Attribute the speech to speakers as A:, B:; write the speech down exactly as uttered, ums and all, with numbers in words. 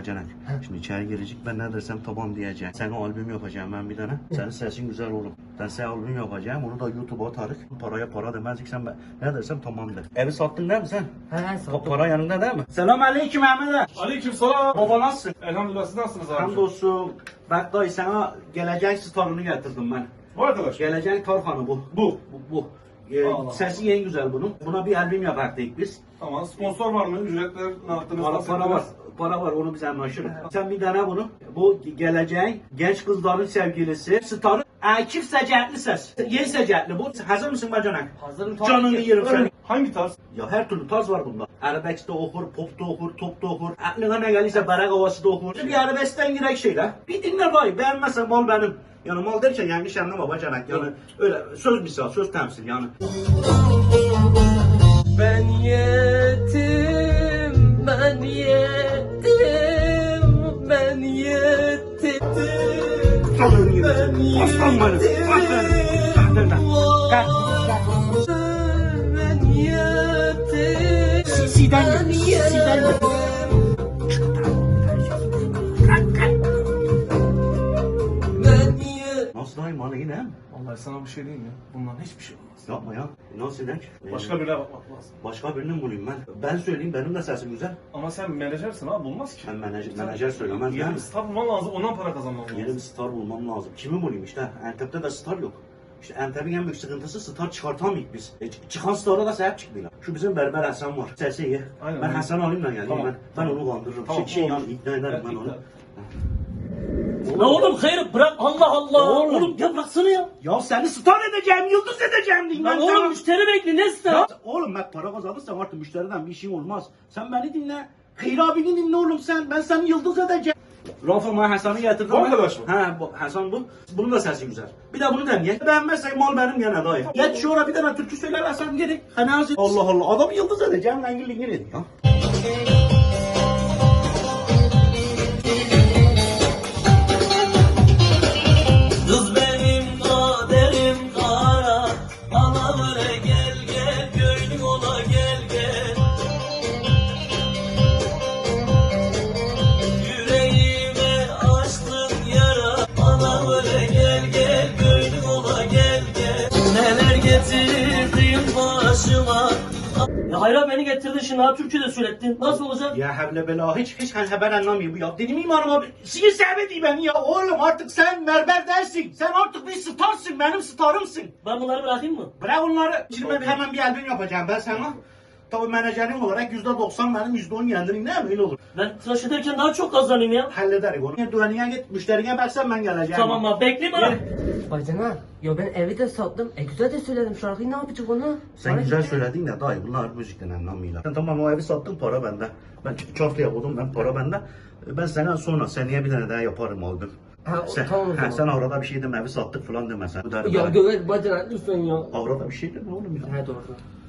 A: bacanak. Şimdi içeri girecek, ben ne dersem tamam diyeceğim. Sana albüm yapacağım ben bir tane. Senin sesin güzel oğlum. Ben sana albüm yapacağım, onu da YouTube'a atarız. Paraya para demezdik, sen ben ne dersem tamamdır. Evi sattın değil mi sen?
B: He he
A: Pa-
B: sattım.
A: para yanında değil mi? Selam aleyküm Ahmet.
C: Aleykümselam.
A: Baba nasılsın?
C: Elhamdülillah, siz nasılsınız abi?
A: Hamdolsun. Bak dayı sana gelecek starını getirdim ben.
C: Bu arkadaş.
A: Gelecek tarhanı bu.
C: Bu.
A: Bu. bu. Ee,
C: Allah.
A: sesi en güzel bunun. Buna bir albüm yapardık biz.
C: Tamam. Sponsor var mı? Ücretler ne yaptınız?
A: Para,
C: Nasıl
A: para var.
C: yaptınız?
A: Para var, onu biz anlaşırız. Sen bir dene bunu. Bu geleceğin genç kızların sevgilisi. Starı Akif Secetli ses. Yeni Secetli bu. Hazır mısın bacanak?
B: Hazırım tabii
A: Canını
B: ki.
A: yerim seni.
C: Hangi tarz?
A: Ya her türlü tarz var bunda. Arabesk'te okur, pop'ta okur, top'ta okur. Aklına ne gelirse barak havası da okur. Bir arabeskten girek şeyler. Bir dinle dayı. Beğenmezsen mal benim. Yani mal derken yanlış anlama bacanak. Yani öyle söz misal, söz temsil yani.
B: Ben yetim, ben yetim, ben yetim.
A: Canını yerim. Aslan benim. Aslan benim. Kalk. Kalk.
B: Ben yetim.
A: Sisi'den gel. Sisi'den gel.
B: Ben yetim.
A: Nasıl dayım bana yine?
C: Vallahi sana bir şey diyeyim ya. Bundan hiçbir şey olmaz.
A: Yapma ya. Nasıl eder?
C: Başka birine bakmak lazım.
A: Başka birini mi bulayım ben? Ben söyleyeyim, benim de sesim güzel.
C: Ama sen menajersin abi, bulmaz ki.
A: Ben menajer, menajer söylemez
C: Yeni
A: yani.
C: bir star bulman lazım, ondan para kazanman lazım.
A: Yeni bir star bulmam lazım. Kimi bulayım işte? Antep'te de star yok. İşte Antep'in en büyük sıkıntısı star çıkartamayık biz. E, ç- çıkan star'a da sahip çıkmıyorlar. Şu bizim Berber Hasan var. Sesi iyi.
C: Aynen,
A: Ben
C: aynen.
A: Hasan alayım da geleyim
C: Tamam.
A: ben. Ben onu kandırırım.
C: Tamam,
A: şey, şey
C: olur.
A: yani ikna ederim
C: Evet,
A: ben onu.
C: ikna.
D: La oğlum hayır bırak Allah Allah.
A: Oğlum.
D: Oğlum, ya bıraksana ya.
A: Ya seni star edeceğim, yıldız edeceğim diyeyim
D: Lan
A: ben
D: oğlum
A: sana.
D: müşteri bekle ne ister?
A: Ya oğlum bak para kazanırsan artık müşteriden bir işin olmaz. Sen beni dinle. Hayır abini dinle oğlum sen. Ben seni yıldız edeceğim. Rafa Hasan'ı getirdim.
C: Bu arkadaş mı?
A: He bu Hasan bu. Bunun da sesi güzel. Bir de bunu deneyelim. Beğenmezsen mal benim yana dayı. Geç şu ara bir tane türkü söyler Hasan geri. Hani azı. Allah Allah adamı yıldız edeceğim. Lan gülün gülün ya.
D: Kız benim kaderim kara. Ana böyle gel gel gönlüm ola gel gel. Yüreğime açtın yara. Ana böyle gel gel gönlüm ola gel gel. Neler getirdin başıma. Ya hayra beni getirdin şimdi ha Türkçe'de söylettin. Nasıl olacak?
A: Ya havle bela hiç hiç haber anlamıyor bu ya. Dedim imanım abi. Sinir sevmedi beni ya. Oğlum artık sen berber dersin. Sen artık bir starsın. Benim starımsın.
D: Ben bunları bırakayım mı?
A: Bırak onları. Şimdi ben hemen bir albüm yapacağım ben sana. Tabii menajerim olarak yüzde doksan benim yüzde on yendirin değil mi? Öyle olur.
D: Ben tıraş ederken daha çok kazanayım ya.
A: Hallederiz onu. Düğününe git, müşterine baksan ben geleceğim.
D: Tamam abi bekle bana.
B: Bacana, ya ben evi de sattım. E güzel de söyledim şarkıyı, ne yapacak onu?
A: Sen
B: Bana
A: güzel
B: gitti.
A: söyledin de dayı bunlar müzikten anlamıyorlar. Sen tamam o evi sattın para bende. Ben çortaya buldum ben para bende. Ben sana sonra seneye bir tane daha yaparım albüm.
B: Ha,
A: Sen,
B: tamam o
A: ha,
B: zaman.
A: sen arada bir şey deme evi sattık falan deme sen. Bu derim
B: Ya
A: ben.
B: göbek bacana lütfen ya.
A: Arada bir şey deme oğlum ya.
B: He doğru.